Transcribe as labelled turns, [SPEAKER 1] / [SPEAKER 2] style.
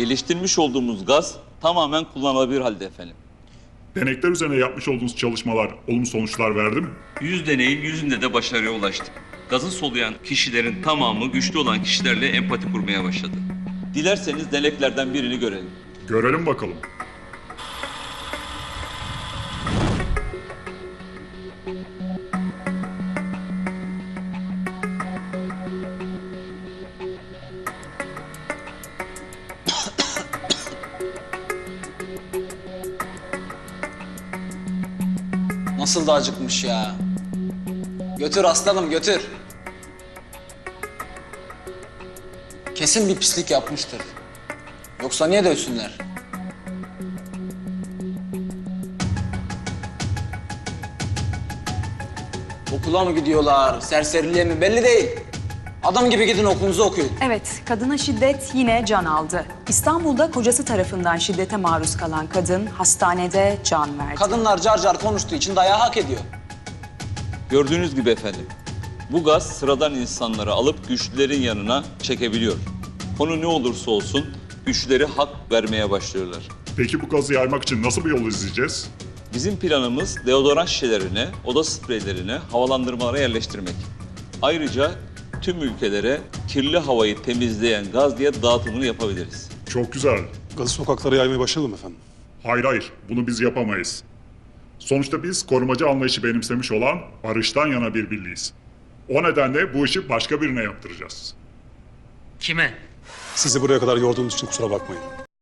[SPEAKER 1] Geliştirmiş olduğumuz gaz tamamen kullanılabilir halde efendim.
[SPEAKER 2] Denekler üzerine yapmış olduğunuz çalışmalar olumlu sonuçlar verdi mi?
[SPEAKER 1] 100 deneyin 100'ünde de başarıya ulaştık. Gazı soluyan kişilerin tamamı güçlü olan kişilerle empati kurmaya başladı. Dilerseniz deneklerden birini görelim.
[SPEAKER 2] Görelim bakalım.
[SPEAKER 3] Nasıl da acıkmış ya. Götür aslanım götür. Kesin bir pislik yapmıştır. Yoksa niye dövsünler? Okula mı gidiyorlar, serseriliğe mi belli değil. Adam gibi gidin okulunuzu okuyun.
[SPEAKER 4] Evet, kadına şiddet yine can aldı. İstanbul'da kocası tarafından şiddete maruz kalan kadın hastanede can verdi.
[SPEAKER 3] Kadınlar car car konuştuğu için dayağı hak ediyor.
[SPEAKER 1] Gördüğünüz gibi efendim, bu gaz sıradan insanları alıp güçlülerin yanına çekebiliyor. Konu ne olursa olsun güçlüleri hak vermeye başlıyorlar.
[SPEAKER 2] Peki bu gazı yaymak için nasıl bir yol izleyeceğiz?
[SPEAKER 1] Bizim planımız deodorant şişelerine, oda spreylerine, havalandırmalara yerleştirmek. Ayrıca tüm ülkelere kirli havayı temizleyen gaz diye dağıtımını yapabiliriz.
[SPEAKER 2] Çok güzel.
[SPEAKER 5] Gazı sokaklara yaymaya başlayalım efendim.
[SPEAKER 2] Hayır, bunu biz yapamayız. Sonuçta biz korumacı anlayışı benimsemiş olan barıştan yana bir birliğiz. O nedenle bu işi başka birine yaptıracağız.
[SPEAKER 6] Kime?
[SPEAKER 5] Sizi buraya kadar yorduğumuz için kusura bakmayın.